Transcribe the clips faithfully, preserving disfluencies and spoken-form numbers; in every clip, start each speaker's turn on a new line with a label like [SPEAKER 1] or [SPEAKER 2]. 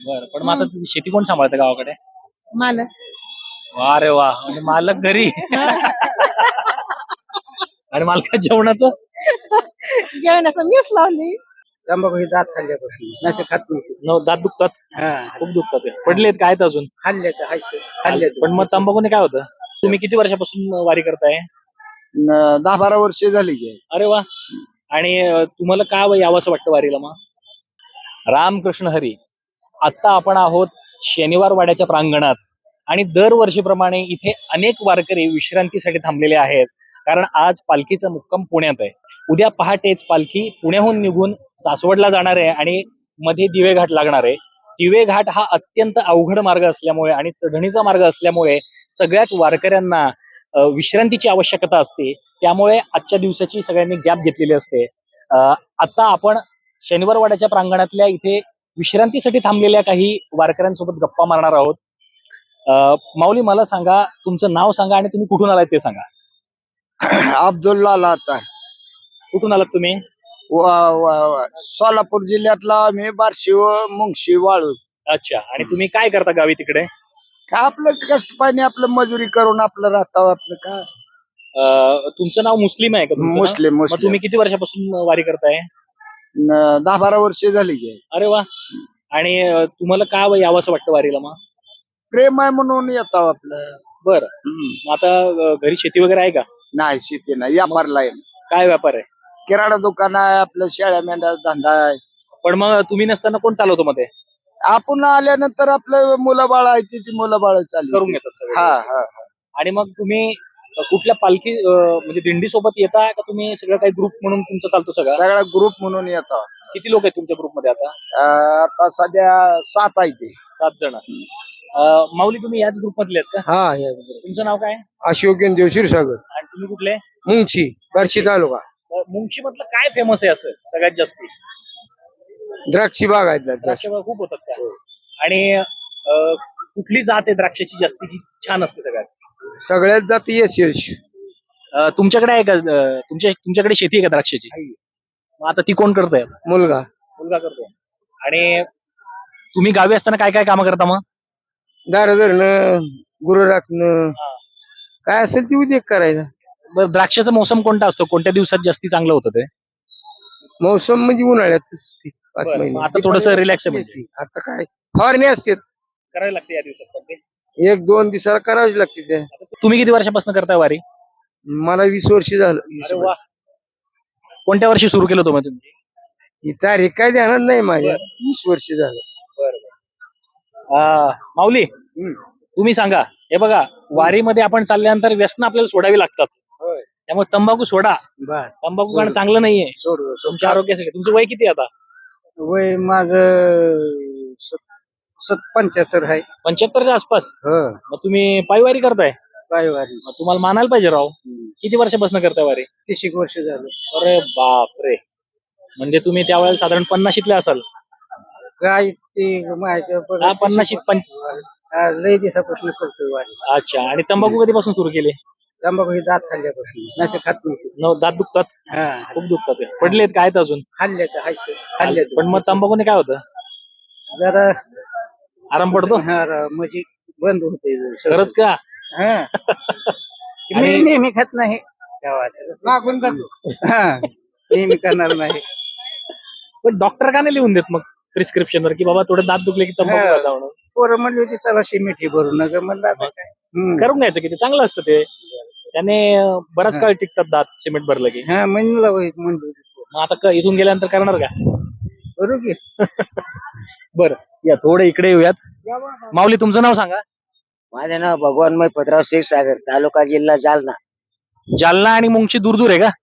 [SPEAKER 1] बरं, पण मग आता तुझी शेती कोण सांभाळतं गावाकडे?
[SPEAKER 2] मालक.
[SPEAKER 1] वा रे वा, म्हणजे मालक घरी आणि मालका जेवणाचं
[SPEAKER 2] जेवणाचं मीच लावली.
[SPEAKER 3] तंबाखू हे दात खाल्ल्यापासून नाही खात नाही.
[SPEAKER 1] न दात दुखतात,
[SPEAKER 3] हा
[SPEAKER 1] खूप दुखतात ते. पडलेत काय आहेत अजून?
[SPEAKER 3] खाल्ले तर हायचे खाल्ले
[SPEAKER 1] पण मग तंबाखूने काय होतं? तुम्ही किती वर्षापासून वारी करताय?
[SPEAKER 3] दहा बारा वर्ष झाली की.
[SPEAKER 1] अरे वा. आणि अं, तुम्हाला का यावंसं वाटतं वारीला मग? रामकृष्ण हरी. आता आपण आहोत शनिवार वाड्याच्या प्रांगणात आणि दरवर्षीप्रमाणे इथे अनेक वारकरी विश्रांतीसाठी थांबलेले आहेत, कारण आज पालखीचा मुक्काम पुण्यात आहे. उद्या पहाटेच पालखी पुण्याहून निघून सासवडला जाणार आहे आणि मध्ये दिवे घाट लागणार आहे. दिवे घाट हा अत्यंत अवघड मार्ग असल्यामुळे आणि चढणीचा मार्ग असल्यामुळे सगळ्याच वारकऱ्यांना अं, विश्रांतीची आवश्यकता असते. त्यामुळे आजच्या दिवसाची सगळ्यांनी गॅप घेतलेली असते. अं, आता आपण शनिवार वाड्याच्या प्रांगणातल्या इथे विश्रांतीसाठी थांबलेल्या काही वारकऱ्यांसोबत गप्पा मारणार आहोत. अं, माऊली, मला सांगा, तुमचं नाव सांगा आणि तुम्ही कुठून आलात ते सांगा.
[SPEAKER 3] अब्दुल्ला लाता
[SPEAKER 1] कुठून आलात तुम्ही?
[SPEAKER 3] सोलापूर जिल्ह्यातला मी बार्शी व मुंगशी वाळू.
[SPEAKER 1] अच्छा. आणि तुम्ही काय करता गावी तिकडे?
[SPEAKER 3] काय आपलं कष्ट पाणी आपलं मजुरी करून आपलं राहतं आपलं काय.
[SPEAKER 1] अं, तुमचं नाव मुस्लिम आहे का? तुमचं नाव?
[SPEAKER 3] मुस्लिम
[SPEAKER 1] मग
[SPEAKER 3] मुस्लिम
[SPEAKER 1] तुम्ही किती वर्षापासून वारी करताय?
[SPEAKER 3] न- दहा बारा वर्ष झाली की.
[SPEAKER 1] अरे वा. आणि अं, तुम्हाला का यावंसं वाटतं वारीला मग?
[SPEAKER 3] प्रेम आहे म्हणून येतो आपलं.
[SPEAKER 1] बरं.
[SPEAKER 3] हम्म.
[SPEAKER 1] मग आता अं, घरी शेती वगैरे आहे का?
[SPEAKER 3] नाही शेती नाही व्यापारला आहे.
[SPEAKER 1] काय व्यापार आहे?
[SPEAKER 3] किराणा दुकान आहे आपलं, शेळ्या मेंढ्या धंदा आहे.
[SPEAKER 1] पण मग तुम्ही नसताना कोण चालवतो मध्ये?
[SPEAKER 3] आपण आल्यानंतर आपलं मुलं बाळ आहे ती ती मुलं बाळ चालू
[SPEAKER 1] करून घेतात सगळे.
[SPEAKER 3] हा हा हा.
[SPEAKER 1] आणि मग तुम्ही अं, कुठल्या पालखी अं, म्हणजे दिंडी सोबत येता का तुम्ही सगळं काही ग्रुप म्हणून तुमचं चालतो सगळं?
[SPEAKER 3] सगळा ग्रुप म्हणून येतो.
[SPEAKER 1] किती लोक आहेत तुमच्या ग्रुपमध्ये आता?
[SPEAKER 3] अं, आता सध्या सात आहे ते.
[SPEAKER 1] सात जण. अं, माऊली, तुम्ही याच ग्रुप मधले आहेत का?
[SPEAKER 3] हा
[SPEAKER 1] तुमचं नाव काय?
[SPEAKER 3] अशोक देव क्षीरसागर
[SPEAKER 1] आणि तुम्ही कुठले?
[SPEAKER 3] मुंशी बार्शी तालुका.
[SPEAKER 1] मुंशी मधलं काय फेमस आहे असं सगळ्यात जास्ती?
[SPEAKER 3] द्राक्षी बाग आहेत
[SPEAKER 1] द्राक्ष खूप होतात का? आणि अं, कुठली जात आहे द्राक्षाची जास्तीची छान असते सगळ्यात?
[SPEAKER 3] सगळ्यात जाती यश यश
[SPEAKER 1] अं, तुमच्याकडे आहे का? अं, तुमच्या तुमच्याकडे शेती आहे का द्राक्षाची? मग आता ती कोण करतंय?
[SPEAKER 3] मुलगा
[SPEAKER 1] मुलगा करतोय. आणि तुम्ही गावी असताना काय काय कामं करता मग?
[SPEAKER 3] दार धरणं गुरु राखणं काय असेल ती उद्योग करायचा.
[SPEAKER 1] बरं, द्राक्षाचा मोसम कोणता असतो? कोणत्या दिवसात जास्ती चांगलं होतं ते?
[SPEAKER 3] मौसम म्हणजे उन्हाळ्यातच ती पाच
[SPEAKER 1] बरं,
[SPEAKER 3] महिने.
[SPEAKER 1] मग आता थोडंसं relax आहे म्हणजे.
[SPEAKER 3] आता काय फवारणी असते
[SPEAKER 1] करायला लागते या दिवसात पण ते.
[SPEAKER 3] एक दोन दिवसाला करावीच लागते ते.
[SPEAKER 1] तुम्ही किती वर्षापासून करताय वारी?
[SPEAKER 3] मला वीस वर्ष झालं.
[SPEAKER 1] अरे वा. कोणत्या वर्षी सुरू केलं होतं मग तुम्ही?
[SPEAKER 3] ती तारीख काय ध्यानात नाही माझ्या.
[SPEAKER 1] बरं.
[SPEAKER 3] वीस वर्ष झालं.
[SPEAKER 1] आ, माऊली, तुम्ही सांगा. हे बघा, वारीमध्ये आपण चालल्यानंतर व्यसन आपल्याला सोडावी लागतात.
[SPEAKER 3] होय.
[SPEAKER 1] त्यामुळे तंबाखू सोडा.
[SPEAKER 3] बर
[SPEAKER 1] तंबाखू खाणं चांगलं नाहीये
[SPEAKER 3] सोड
[SPEAKER 1] तुमच्या आरोग्यासाठी. तुमचं वय किती आहे आता?
[SPEAKER 3] वय माझ पंच्याहत्तर आहे.
[SPEAKER 1] पंच्याहत्तरच्या आसपास.
[SPEAKER 3] हो
[SPEAKER 1] मग तुम्ही पायवारी करताय?
[SPEAKER 3] काय वारी
[SPEAKER 1] मग तुम्हाला मानायला पाहिजे राव. किती वर्षापासून करताय वारी?
[SPEAKER 3] तीस एक वर्ष झालं.
[SPEAKER 1] अरे बापरे. म्हणजे तुम्ही त्यावेळेला साधारण पन्नाशीतले असाल.
[SPEAKER 3] काय ते माहिती पण
[SPEAKER 1] हा, पन्नाशीत पण.
[SPEAKER 3] हा, लय दिवसापासून करतोय वारी.
[SPEAKER 1] अच्छा. आणि तंबाखू कधीपासून सुरू केले?
[SPEAKER 3] तंबाखू हे दात खाल्ल्यापासून नाही खात नाही.
[SPEAKER 1] न दात दुखतात,
[SPEAKER 3] हा
[SPEAKER 1] खूप दुखतात ते. पडलेत काय आहेत अजून?
[SPEAKER 3] खाल्ले तर हायचे खाल्ले
[SPEAKER 1] पण मग तंबाखूने काय होतं?
[SPEAKER 3] जरा
[SPEAKER 1] आराम पडतो?
[SPEAKER 3] हा, र- म्हणजे बंद होते
[SPEAKER 1] खरंच का?
[SPEAKER 3] हा मी
[SPEAKER 1] आणि-
[SPEAKER 3] नेहमी खात नाही गावात मागून खातो. हा नेहमी करणार नाही.
[SPEAKER 1] पण डॉक्टर का नाही लिहून देत मग प्रिस्क्रिप्शन वर की बाबा थोडे दात दुखले की तंबाखू
[SPEAKER 3] हा.
[SPEAKER 1] खाता म्हणून?
[SPEAKER 3] पोरं म्हणली होती चला मिठी भरून नका म्हणलं आता काय. हम्म.
[SPEAKER 1] करून घ्यायचं की ते चांगलं असतं ते. त्याने अं, बराच
[SPEAKER 3] हा.
[SPEAKER 1] काळ टिकतात दात सिमेंट भरलं की.
[SPEAKER 3] हा म्हणलं होय, म्हणली होती.
[SPEAKER 1] मग आता क- इथून गेल्यानंतर करणार का?
[SPEAKER 3] करू की.
[SPEAKER 1] बरं, या थोडं इकडे येऊयात. माऊली, तुमचं नाव सांगा.
[SPEAKER 3] माझं नाव भगवान पत्राव क्षीरसागर, तालुका जिल्हा जालना.
[SPEAKER 1] जालना आणि मुंगशी दूर दूर आहे का?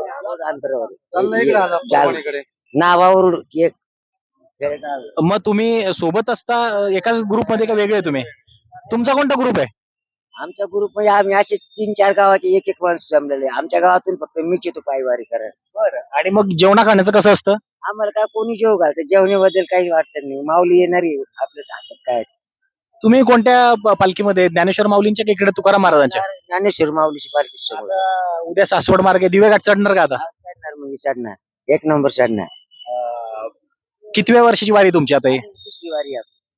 [SPEAKER 3] अंतरावर नावावरून एक
[SPEAKER 1] मग तुम्ही सोबत असता अं, एकाच ग्रुप मध्ये का वेगळे तुम्ही? तुमचा कोणता ग्रुप आहे?
[SPEAKER 3] आमचा ग्रुप म्हणजे आम्ही असे तीन चार गावाचे एक एक माणूस जमलेले. आमच्या गावातून फक्त मीच येतो पायवारी करायला.
[SPEAKER 1] बरं. आणि मग जेवणा खाण्याचं कसं असतं?
[SPEAKER 3] आम्हाला काय कोणी जेव घालतं, जेवणाबद्दल काही अडचण नाही. माऊली येणारी आपल्या हातात काय.
[SPEAKER 1] तुम्ही कोणत्या प- पालखीमध्ये? ज्ञानेश्वर माऊलींच्या की इकडे तुकाराम महाराजांच्या?
[SPEAKER 3] ज्ञानेश्वर माऊलीची पालखी सोबत.
[SPEAKER 1] आता उद्या सासवड मार्गे दिवे घाट चढणार का आता?
[SPEAKER 3] चढणार म्हणजे चढणार एक नंबर चढणार.
[SPEAKER 1] अं, कितव्या वर्षाची वारी तुमची आता ही?
[SPEAKER 3] दुसरी वारी आहे.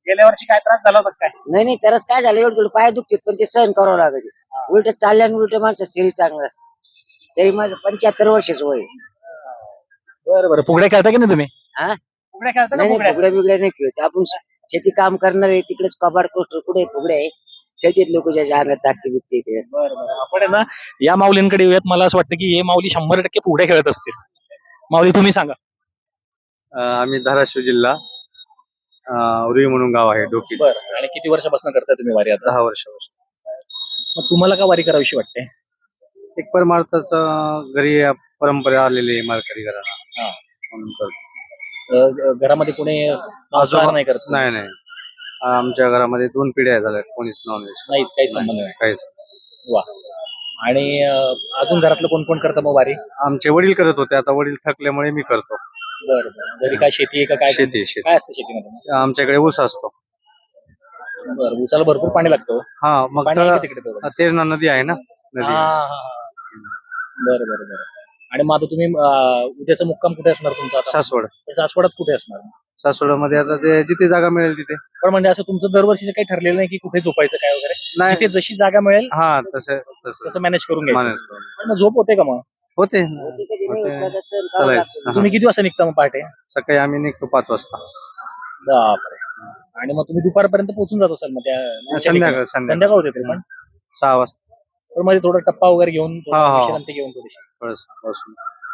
[SPEAKER 1] गेल्या वर्षी काय त्रास झाला होता काय?
[SPEAKER 3] नाही नाही तरच काय झालं एवढं थोडं पाय दुखतात पण ते सहन करावं लागत उलट चालल्याने उलट माणसं शरीर चांगलं असतं तरी माझं पंच्याहत्तर वर्षाचं वय आहे.
[SPEAKER 1] बरं बरं फुगड्या खेळता की नाही तुम्ही?
[SPEAKER 3] हा
[SPEAKER 1] फुगड्या खेळता का
[SPEAKER 3] नाही नाही
[SPEAKER 1] फुगड्या?
[SPEAKER 3] फुगड्या बिगड्या नाही खेळत आपण श- शेती काम करणार आहे तिकडेच कबाड कोस्टर कुठे फुगड्या आहे त्याच्यात लोक ज्याच्या अंगात टाकते बिकते ते
[SPEAKER 1] बरं बरं आपण आहे ना या माऊलींकडे येऊयात. मला असं वाटतं की हे माऊली शंभर टक्के फुगड्या खेळत असतील. माऊली तुम्ही सांगा.
[SPEAKER 4] अ, आम्ही धाराशिव जिल्हा अ, उरी म्हणून गाव आहे डोकी
[SPEAKER 1] बरं आणि किती वर्षापासून करताय तुम्ही वारी आता?
[SPEAKER 4] दहा वर्षापासून
[SPEAKER 1] मग तुम्हाला का वारी करावीशी वाटते?
[SPEAKER 4] एक परमार्थाच घरी परंपरा आलेली आहे मालकरी घराला
[SPEAKER 1] हा.
[SPEAKER 4] म्हणून करतो.
[SPEAKER 1] अ, ग- घरामध्ये कोणी मांसाहार
[SPEAKER 4] आजोबा-
[SPEAKER 1] नाही करत?
[SPEAKER 4] नाही नाही आमच्या घरामध्ये दोन पिढ्या झाल्या कोणीच नॉनव्हेज
[SPEAKER 1] नाहीच काही संबंध नाही.
[SPEAKER 4] काहीच
[SPEAKER 1] वा. आणि अ, अजून घरातलं कोण कोण करतं मग वारी?
[SPEAKER 4] आमचे वडील करत होते आता वडील थकल्यामुळे मी करतो.
[SPEAKER 1] बरं बरं. घरी काय शेती आहे का काय?
[SPEAKER 4] शेती शेती
[SPEAKER 1] काय असतं शेतीमध्ये?
[SPEAKER 4] आमच्याकडे ऊस असतो.
[SPEAKER 1] बरं ऊसाला भरपूर पाणी लागतं.
[SPEAKER 4] हा मग
[SPEAKER 1] पाणी आहे
[SPEAKER 4] तर
[SPEAKER 1] का तिकडे तेवढं?
[SPEAKER 4] तेरणा नदी आहे ना
[SPEAKER 1] हा,
[SPEAKER 4] नदी
[SPEAKER 1] हा, हा. बरं बरं बरं. आणि मग आता तुम्ही अ, उद्याचा मुक्काम कुठे असणार तुमचा आता?
[SPEAKER 4] सासवड
[SPEAKER 1] सासवडात कुठे असणार?
[SPEAKER 4] सासवडमध्ये आता ते जिथे जागा मिळेल तिथे
[SPEAKER 1] पण म्हणजे असं तुमचं दरवर्षीचं काही ठरलेलं नाही की कुठे झोपायचं काय वगैरे?
[SPEAKER 4] नाही
[SPEAKER 1] जिथे जशी जागा मिळेल
[SPEAKER 4] हा तसं तसं
[SPEAKER 1] तसं मॅनेज करून घ्यायचं.
[SPEAKER 4] मानेल.
[SPEAKER 1] पण मग झोप होते का मग?
[SPEAKER 4] होते
[SPEAKER 3] कधी कधी नाही
[SPEAKER 4] होते.
[SPEAKER 3] उठलं तर सहन करावं
[SPEAKER 4] चालायचं.
[SPEAKER 3] लागतं.
[SPEAKER 4] हा.
[SPEAKER 1] तुम्ही किती वाजता निघता मग पहाटे?
[SPEAKER 4] सकाळी आम्ही निघतो पाच वाजता
[SPEAKER 1] बापरे. आणि मग तुम्ही दुपारपर्यंत पोहोचून जात असाल मग त्या पुढच्या
[SPEAKER 4] संध्याकाळ
[SPEAKER 1] ठिकाणी?
[SPEAKER 4] संध्याकाळ
[SPEAKER 1] संध्याकाळ होते तरी पण
[SPEAKER 4] सहा वाजता
[SPEAKER 1] पण मध्ये थोडा टप्पा वगैरे घेऊन थोडा
[SPEAKER 4] हा, हा.
[SPEAKER 1] विश्रांती घेऊन थोडीशी.
[SPEAKER 4] बस बसून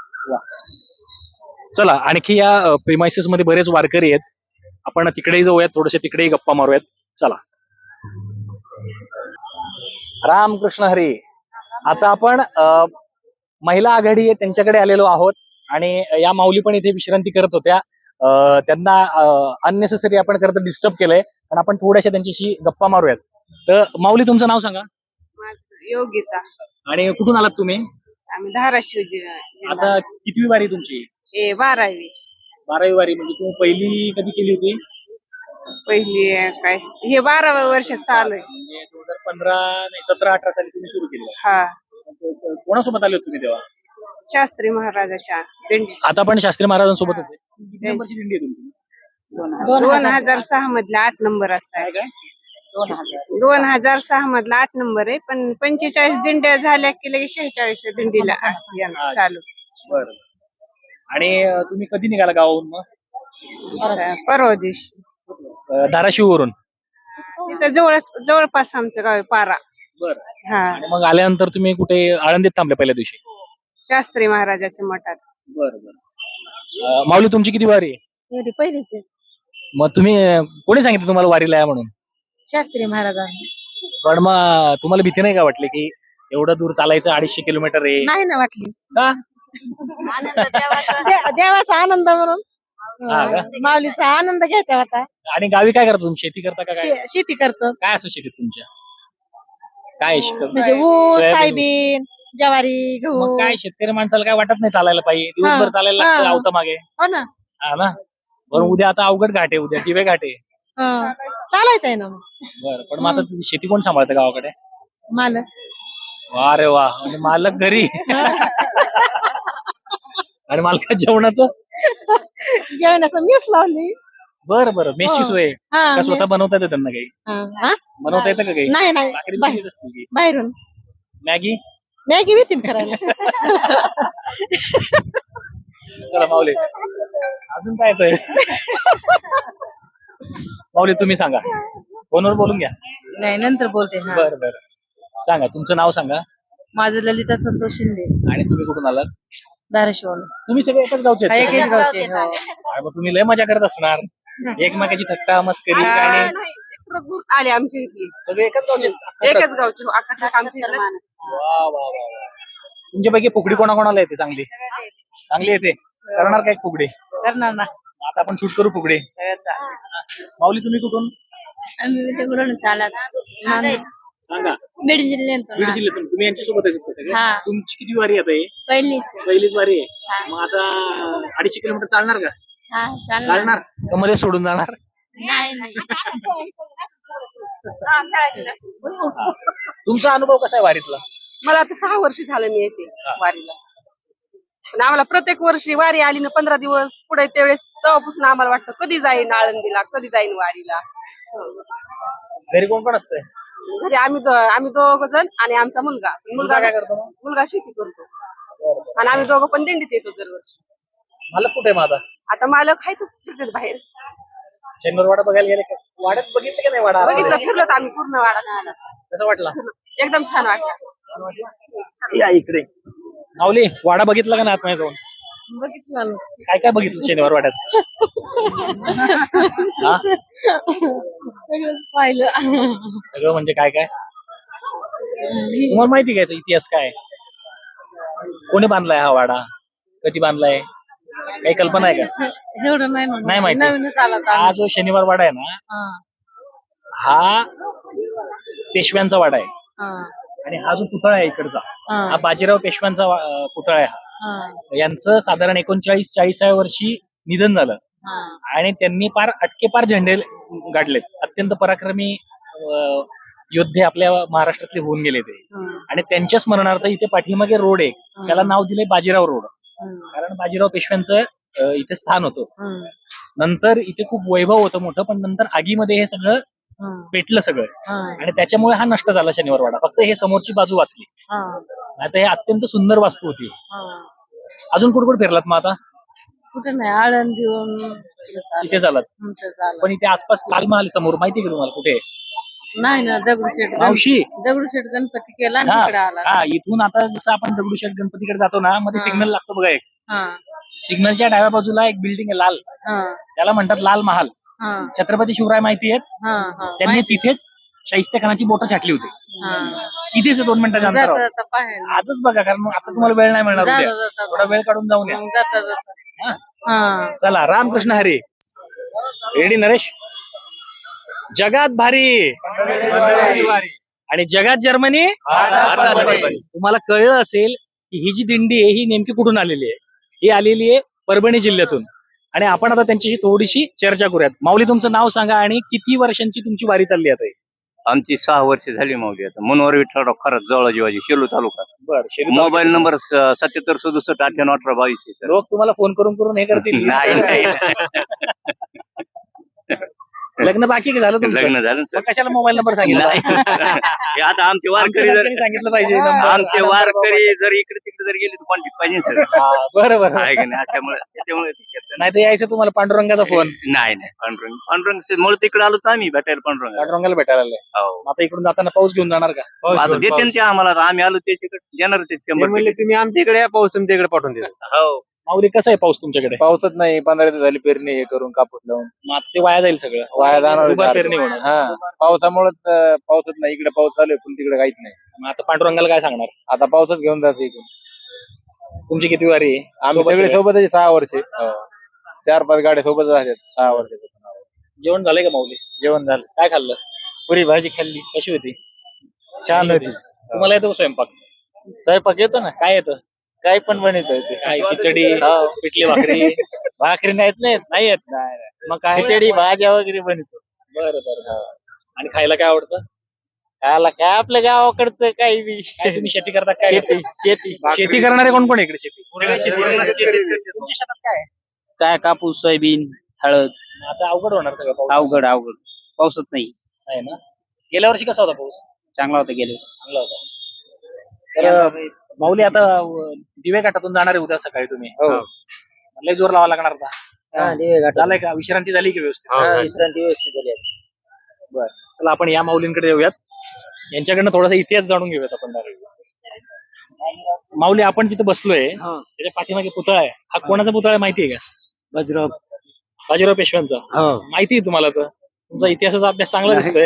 [SPEAKER 1] चला आणखी या प्रिमायसेस मध्ये बरेच वारकरी आहेत. आपण तिकडेही जाऊयात थोडेसे तिकडेही गप्पा मारूयात. चला. रामकृष्ण हरी. आता आपण अ, महिला आघाडी आहे त्यांच्याकडे आलेलो आहोत आणि या माऊली पण इथे विश्रांती करत होत्या. अ, त्यांना अननेसेसरी आपण करत डिस्टर्ब केलंय पण आपण थोड्याशा त्यांच्याशी गप्पा मारूयात. तर माऊली तुमचं नाव सांगा
[SPEAKER 2] माझं योगिता.
[SPEAKER 1] आणि कुठून आलात तुम्ही?
[SPEAKER 2] आम्ही धाराशिव जिल्हा जिल्हा.
[SPEAKER 1] आता कितवी वारी तुमची?
[SPEAKER 2] ए बारावी
[SPEAKER 1] बारावी वारी. म्हणजे तुम्ही पहिली कधी केली होती?
[SPEAKER 2] पहिली आहे काय हे बाराव्या वर्षात चालू आहे.
[SPEAKER 1] म्हणजे दोन हजार पंधरा नाही सतरा अठरा साली तुम्ही सुरू केली.
[SPEAKER 2] हा
[SPEAKER 1] कोणासोबत आले होते तुम्ही तेव्हा?
[SPEAKER 2] शास्त्री महाराजाच्या दिंडी
[SPEAKER 1] आता पण शास्त्री महाराजांसोबतच आहे. किती नंबरची दिंडी आहे तुमची?
[SPEAKER 2] दोन हजार सहा मधला आठ नंबर असा आहे.
[SPEAKER 1] काय?
[SPEAKER 2] दोन हजार सहा मधला आठ नंबर आहे पण पंचेचाळीस दिंड्या झाल्या की लगेच शेहेचाळीस दिंडीला असते आमची चालू.
[SPEAKER 1] बरं. आणि अं, तुम्ही कधी निघाला गावाहून मग?
[SPEAKER 2] परवा दिवशी
[SPEAKER 1] धाराशिव वरून.
[SPEAKER 2] इथं जवळच जवळपास आमचं गाव आहे पारा.
[SPEAKER 1] बरं.
[SPEAKER 2] हा
[SPEAKER 1] आणि मग आल्यानंतर तुम्ही कुठे आळंदीत थांबले पहिल्या दिवशी?
[SPEAKER 2] शास्त्री महाराजाच्या मठात.
[SPEAKER 1] बरं बरं. माऊली तुमची किती वारी आहे?
[SPEAKER 2] एवढी पहिलीच आहे.
[SPEAKER 1] मग तुम्ही अं, कोणी सांगितलं तुम्हाला वारीला या म्हणून?
[SPEAKER 2] शास्त्री महाराजांनी.
[SPEAKER 1] पण मग तुम्हाला भीती नाही का वाटली की एवढं दूर चालायचं अडीचशे किलोमीटर आहे?
[SPEAKER 2] नाही ना वाटली.
[SPEAKER 1] का?
[SPEAKER 2] दे- देवाचा आनंद म्हणून
[SPEAKER 1] हा का?
[SPEAKER 2] माऊलीचा आनंद घ्यायचा होता.
[SPEAKER 1] आणि गावी काय करता तुम्ही? शेती करता का काय?
[SPEAKER 2] शे- शेती करतो
[SPEAKER 1] काय असं शेतीत तुमच्या? काय शेत-
[SPEAKER 2] म्हणजे ऊस
[SPEAKER 1] सोयाबीन,
[SPEAKER 2] सायबीन ज्वारी गहू.
[SPEAKER 1] मग काय शेतकरी माणसाला काय वाटत नाही चालायला पाहिजे? दिवसभर
[SPEAKER 2] हा,
[SPEAKER 1] चालायला
[SPEAKER 2] हा.
[SPEAKER 1] लागतं आवता मागे.
[SPEAKER 2] हो ना.
[SPEAKER 1] हा ना. बरं उद्या आता अवघड घाट आहे, उद्या दिवे घाट आहे.
[SPEAKER 2] हा. चालायचंय ना मग.
[SPEAKER 1] बरं पण मग आता तुम्ही शेती कोण सांभाळतं गावाकडे?
[SPEAKER 2] मालक.
[SPEAKER 1] वा रे वा. म्हणजे मालक घरी आणि मालकात जेवणाचं?
[SPEAKER 2] जेवणाचं मीच लावली.
[SPEAKER 1] बरं बरं. मेसची
[SPEAKER 2] हो.
[SPEAKER 1] सोय आहे.
[SPEAKER 2] हा,
[SPEAKER 1] का स्वतः
[SPEAKER 2] मेस.
[SPEAKER 1] बनवता येतं त्यांना काही?
[SPEAKER 2] हा, हा?
[SPEAKER 1] बनवता येतं का काही?
[SPEAKER 2] नाही नाही
[SPEAKER 1] भाकरी
[SPEAKER 2] बाहेर-
[SPEAKER 1] बिकरी येत असतील की?
[SPEAKER 2] बाहेरून
[SPEAKER 1] मॅगी?
[SPEAKER 2] मॅगी भीतीन करायला.
[SPEAKER 1] चला माऊली अजून काय येतंय? माऊली तुम्ही सांगा. फोनवर बोलून घ्या.
[SPEAKER 2] नाही नंतर बोलते. हा.
[SPEAKER 1] बरं बरं. सांगा तुमचं नाव सांगा.
[SPEAKER 2] माझं ललिता संतोष शिंदे
[SPEAKER 1] आणि तुम्ही कुठून आलात?
[SPEAKER 2] धाराशिव.
[SPEAKER 1] तुम्ही सगळे एकच गावचे आहेत का?
[SPEAKER 2] एकेच गावचे. हो.
[SPEAKER 1] अरे मग तुम्ही लय मजा करत असणार. एकमेकाची थट्टा मस्करी आणि
[SPEAKER 2] आले आमच्या इथली
[SPEAKER 1] सगळे एकच गावचे आहेत?
[SPEAKER 2] एकच गावची अख्खा आमच्या इथलं.
[SPEAKER 1] वा वा वा वा. तुमच्यापैकी फुगडी कोणाकोणाला येते चांगली? चांगली येते. करणार काय फुगडी?
[SPEAKER 2] करणार ना.
[SPEAKER 1] आता आपण शूट करू फुगडी. माऊली तुम्ही कुठून? सांगा.
[SPEAKER 2] बीड जिल्ह्यात
[SPEAKER 1] बीड जिल्ह्यातून. तुम्ही यांच्यासोबत आहेत का सगळे?
[SPEAKER 2] हा.
[SPEAKER 1] तुमची किती वारी आता आहे?
[SPEAKER 2] पहिलीच.
[SPEAKER 1] पहिलीच वारी
[SPEAKER 2] हा.
[SPEAKER 1] आहे. मग आता अडीचशे किलोमीटर चालणार का?
[SPEAKER 2] हा चालणार.
[SPEAKER 1] चालणार का मध्ये सोडून जाणार?
[SPEAKER 2] नाही नाही.
[SPEAKER 1] तुमचा अनुभव कसा आहे वारीतला?
[SPEAKER 2] मला आता सहा वर्ष झालं मी येते वारीला.
[SPEAKER 5] पण आम्हाला प्रत्येक वर्षी वारी आली ना पंधरा दिवस पुढे त्यावेळेस तेव्हापासून आम्हाला वाटतं कधी जाईन आळंदीला कधी जाईन वारीला.
[SPEAKER 1] घरी कोण कोण असतंय?
[SPEAKER 5] घरी आम्ही दो- आम्ही दोघ जण आणि आमचा मुलगा
[SPEAKER 1] मुलगा काय करतो मग?
[SPEAKER 5] मुलगा शेती करतो आणि आम्ही दोघं पण दिंडीत येतो दरवर्षी.
[SPEAKER 1] मला कुठे आहे मग आता?
[SPEAKER 5] आता मालक आहे फिरतात बाहेर.
[SPEAKER 1] शनिवार वाडा बघायला गेले का? वाड्यात बघितलं का नाही वाडा?
[SPEAKER 5] बघितलं फिरलो आम्ही पूर्ण वाडा.
[SPEAKER 1] कसं वाटला?
[SPEAKER 5] एकदम छान वाटलं.
[SPEAKER 1] या इकडे. माऊली वाडा बघितला का नाही आतमध्ये जाऊन?
[SPEAKER 5] बघितलं
[SPEAKER 1] काय काय बघितलं शनिवार वाड्यात? हा?
[SPEAKER 5] पाहिलं.
[SPEAKER 1] सगळं म्हणजे काय काय? तुम्हाला माहिती घ्यायचा इतिहास काय? कोणी बांधलाय हा वाडा? कधी बांधलाय? काही कल्पना आहे का?
[SPEAKER 5] एवढं नाही म्हणून.
[SPEAKER 1] नाही माहिती.
[SPEAKER 5] नवीनच आला होता
[SPEAKER 1] हा जो शनिवार वाडा आहे ना,
[SPEAKER 5] हा,
[SPEAKER 1] हा पेशव्यांचा वाडा आहे.
[SPEAKER 5] हा,
[SPEAKER 1] आणि हा जो पुतळा आहे इकडचा,
[SPEAKER 5] हा,
[SPEAKER 1] हा बाजीराव पेशव्यांचा वा- अं, पुतळा आहे. हा
[SPEAKER 5] हा,
[SPEAKER 1] यांचं साधारण एकोणचाळीस चाळीसाव्या वर्षी निधन झालं
[SPEAKER 5] हा,
[SPEAKER 1] आणि त्यांनी पार अटके पार झेंडे गाडलेत. अत्यंत पराक्रमी अं, योद्धे आपल्या महाराष्ट्रातले होऊन गेले ते.
[SPEAKER 5] हा,
[SPEAKER 1] आणि त्यांच्या स्मरणार्थ इथे पाठीमागे रोड आहे, त्याला नाव दिले बाजीराव रोड.
[SPEAKER 5] हा,
[SPEAKER 1] कारण बाजीराव पेशव्यांचं अं, इथे स्थान होतं.
[SPEAKER 5] हा,
[SPEAKER 1] नंतर इथे खूप वैभव होतं मोठं, पण नंतर आगीमध्ये हे सगळं
[SPEAKER 5] हा,
[SPEAKER 1] पेटलं सगळं
[SPEAKER 5] हा,
[SPEAKER 1] आणि त्याच्यामुळे हा नष्ट झाला शनिवार वाडा. फक्त हे समोरची बाजू वाचली.
[SPEAKER 5] हा,
[SPEAKER 1] आता हे अत्यंत सुंदर वास्तू होती.
[SPEAKER 5] हा.
[SPEAKER 1] अजून कुठे कुठे फिरलात मग आता?
[SPEAKER 5] कुठे नाही आळंदीहून
[SPEAKER 1] इथे झालात,
[SPEAKER 5] तुमचं झालं.
[SPEAKER 1] पण इथे आसपास लाल महाल समोर माहिती आहे का तुम्हाला कुठे आहे?
[SPEAKER 5] नाही ना दगडूशेठ
[SPEAKER 1] मावशी
[SPEAKER 5] दगडूशेठ गणपती केला आणि
[SPEAKER 1] हा
[SPEAKER 5] तिकडे आला.
[SPEAKER 1] हा, इथून आता जसं आपण दगडूशेठ गणपतीकडे जातो ना, मध्ये
[SPEAKER 5] हा.
[SPEAKER 1] सिग्नल लागतो बघा एक.
[SPEAKER 5] हा,
[SPEAKER 1] सिग्नलच्या डाव्या बाजूला एक बिल्डिंग आहे लाल,
[SPEAKER 5] हा,
[SPEAKER 1] त्याला म्हणतात लाल महाल.
[SPEAKER 5] हा,
[SPEAKER 1] छत्रपती शिवराय माहिती आहेत?
[SPEAKER 5] हा, हा.
[SPEAKER 1] त्यांनी तिथेच शाहिस्ते खानाची बोटं छाटली होती.
[SPEAKER 5] हा.
[SPEAKER 1] इथेच आहे, दोन मिनिटाच्या
[SPEAKER 5] जाता
[SPEAKER 1] अंतरावर.
[SPEAKER 5] जाता पाहायला.
[SPEAKER 1] आजच बघा, कारण मग आता तुम्हाला वेळ नाही मिळणार
[SPEAKER 5] जाता
[SPEAKER 1] उद्या.
[SPEAKER 5] जाता
[SPEAKER 1] थोडा वेळ काढून जाऊन या.
[SPEAKER 5] मग जाता जाता.
[SPEAKER 1] हा?
[SPEAKER 5] हा.
[SPEAKER 1] चला, रामकृष्ण हरी. रेडी नरेश? जगात भारी आणि जगात जर्मनी. तुम्हाला कळलं असेल की ही जी दिंडी आहे ही नेमकी कुठून आलेली आहे. ही आलेली आहे परभणी जिल्ह्यातून आणि आपण आता त्यांच्याशी थोडीशी चर्चा करूयात. माऊली, तुमचं नाव सांगा आणि किती वर्षांची तुमची वारी चालली आता?
[SPEAKER 6] आमची सहा वर्ष झाली माऊली आता. मनोहर विठ्ठलराव खरंच जवळ जीवाजी शेलू तालुका.
[SPEAKER 1] बरं.
[SPEAKER 6] मोबाईल नंबर सत्याहत्तर सदुसष्ट अठ्ठ्याण्णव अठरा बावीस आहे.
[SPEAKER 1] लोक तुम्हाला फोन करून करून हे करतील.
[SPEAKER 6] नाही नाही
[SPEAKER 1] लग्न बाकी का झालं तुमचं?
[SPEAKER 6] लग्न झालं
[SPEAKER 1] मग कशाला मोबाईल नंबर सांगितला?
[SPEAKER 6] हे आता आमचे वारकरी जर
[SPEAKER 1] आमच्या सांगितलं पाहिजे number.
[SPEAKER 6] आमचे वारकरी जर इकडे तिकडे जर गेले तर कॉन्टॅक्ट पाहिजे सर.
[SPEAKER 1] हा, बरं बरं.
[SPEAKER 6] आहे की नाही त्याच्यामुळे त्याच्यामुळे ते घेतलं.
[SPEAKER 1] नाही तर यायचं तुम्हाला पांडुरंगाचा फोन.
[SPEAKER 6] नाही नाही पांडुरंग पांडुरंग मुळे तिकडे आलो तर आम्ही भेटायला पांडुरंग.
[SPEAKER 1] पांडुरंगाला भेटायला आले.
[SPEAKER 6] हो
[SPEAKER 1] आता इकडून जाताना पाऊस घेऊन जाणार का?
[SPEAKER 6] आता देते ना ते आम्हाला आता आम्ही आलो त्याच्याकडे देणार ते शंभर
[SPEAKER 4] म्हणले तुम्ही आमच्या इकडे या, पाऊस तुमच्या इकडे पाठवून देतो.
[SPEAKER 6] हो
[SPEAKER 1] माऊली, कसं आहे पाऊस तुमच्याकडे?
[SPEAKER 7] पाऊसच नाही. पंधरा दिवस झाली पेरणी हे करून कापूस लावून
[SPEAKER 1] मग आता ते वाया जाईल सगळं.
[SPEAKER 7] वाया जाणार.
[SPEAKER 1] उभा पेरणी होणार.
[SPEAKER 7] हा, पावसामुळेच अं, पाऊसच नाही. इकडे पाऊस चालू आहे पण तिकडे काहीच नाही.
[SPEAKER 1] मग आता पांडुरंगाला काय सांगणार?
[SPEAKER 7] आता पाऊसच घेऊन जाते इकडून.
[SPEAKER 1] तुमची किती वारी आहे?
[SPEAKER 7] आम्ही
[SPEAKER 1] सोबत
[SPEAKER 7] सगळे
[SPEAKER 1] आहे?
[SPEAKER 7] सोबतच आहे, सहा वर्षे. हो. चार पाच गाड्या सोबतच आहेत सहा वर्षे.
[SPEAKER 1] जेवण झालंय का माऊली?
[SPEAKER 7] जेवण झालं.
[SPEAKER 1] काय खाल्लं?
[SPEAKER 7] पुरी भाजी खाल्ली.
[SPEAKER 1] कशी होती?
[SPEAKER 7] छान होती.
[SPEAKER 1] तुम्हाला येतो का स्वयंपाक?
[SPEAKER 7] स्वयंपाक येतो ना.
[SPEAKER 1] काय येतं?
[SPEAKER 7] काही पण बनवतो ते.
[SPEAKER 1] काय खिचडी,
[SPEAKER 7] हो.
[SPEAKER 1] पिठली भाकरी?
[SPEAKER 7] भाकरी नाहीत नाही
[SPEAKER 1] नाही येत.
[SPEAKER 7] नाही.
[SPEAKER 1] मग काय?
[SPEAKER 7] खिचडी भाज्या वगैरे बनवतो.
[SPEAKER 1] बरं बरं. आणि खायला काय आवडतं?
[SPEAKER 7] खायला काय आपल्या गावाकडचं काही बी.
[SPEAKER 1] काय तुम्ही शेती करता काय?
[SPEAKER 7] शेती शेती
[SPEAKER 1] शेती करणारे कोण कोण आहे इकडे? शेती तुमच्या शेतात काय आहे?
[SPEAKER 8] काय कापूस सोयाबीन हळद.
[SPEAKER 1] आता अवघड होणार सगळं पाऊस.
[SPEAKER 8] अवघड अवघड पाऊसच नाही.
[SPEAKER 1] आहे ना. गेल्या वर्षी कसा होता पाऊस?
[SPEAKER 8] चांगला होता गेले वर्षी.
[SPEAKER 1] चांगला होता. तर माऊली, आता अं, दिवे घाटातून जाणार आहे उद्या सकाळी तुम्ही. लय जोर लावा लागणार का?
[SPEAKER 3] हा, दिवे घाटात.
[SPEAKER 1] झालंय का? विश्रांती झाली की व्यवस्थित?
[SPEAKER 3] हा, विश्रांती व्यवस्थित झाली आहे.
[SPEAKER 1] बरं. चला आपण या माऊलींकडे येऊयात. यांच्याकडनं थोडासा इतिहास जाणून घेऊयात आपण. माऊली, आपण तिथे बसलोय, त्याच्या पाठीमागे पुतळा आहे. हा कोणाचा पुतळा आहे माहिती आहे का?
[SPEAKER 3] बाजीराव.
[SPEAKER 1] बाजीराव पेशव्यांचा.
[SPEAKER 3] हो.
[SPEAKER 1] माहिती आहे तुम्हाला? तर तुमचा इतिहासाचा अभ्यास चांगला दिसतोय.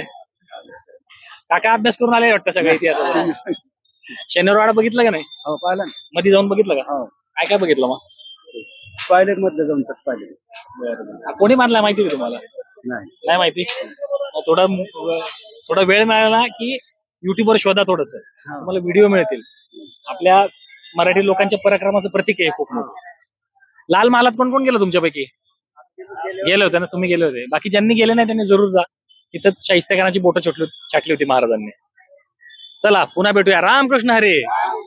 [SPEAKER 1] काका अभ्यास करून आले वाटतं सगळ्या इतिहासाचा. शनिवार वाडा बघितलं का नाही?
[SPEAKER 3] हो, पाहिलं ना.
[SPEAKER 1] मध्ये जाऊन बघितलं का?
[SPEAKER 3] हो.
[SPEAKER 1] काय काय बघितलं मग?
[SPEAKER 3] टॉयलेट मधलं जाऊन तर पाहिले.
[SPEAKER 1] हा, कोणी बांधलाय माहिती आहे तुम्हाला?
[SPEAKER 3] नाही.
[SPEAKER 1] नाही माहिती. मग थोडा थोडा वेळ मिळाला की युट्यूबवर शोधा थोडस, तुम्हाला व्हिडिओ मिळतील. आपल्या मराठी लोकांच्या पराक्रमाचं प्रतीक आहे खूप मोठं. लाल महालात कोण कोण गेलं तुमच्यापैकी? गेले होते ना तुम्ही? गेले होते. बाकी ज्यांनी गेले नाही त्यांनी जरूर जा. तिथंच शाहिस्ते खानाची बोटं छाटली छाटली होती महाराजांनी. चला पुन्हा भेटूया. रामकृष्ण हरी.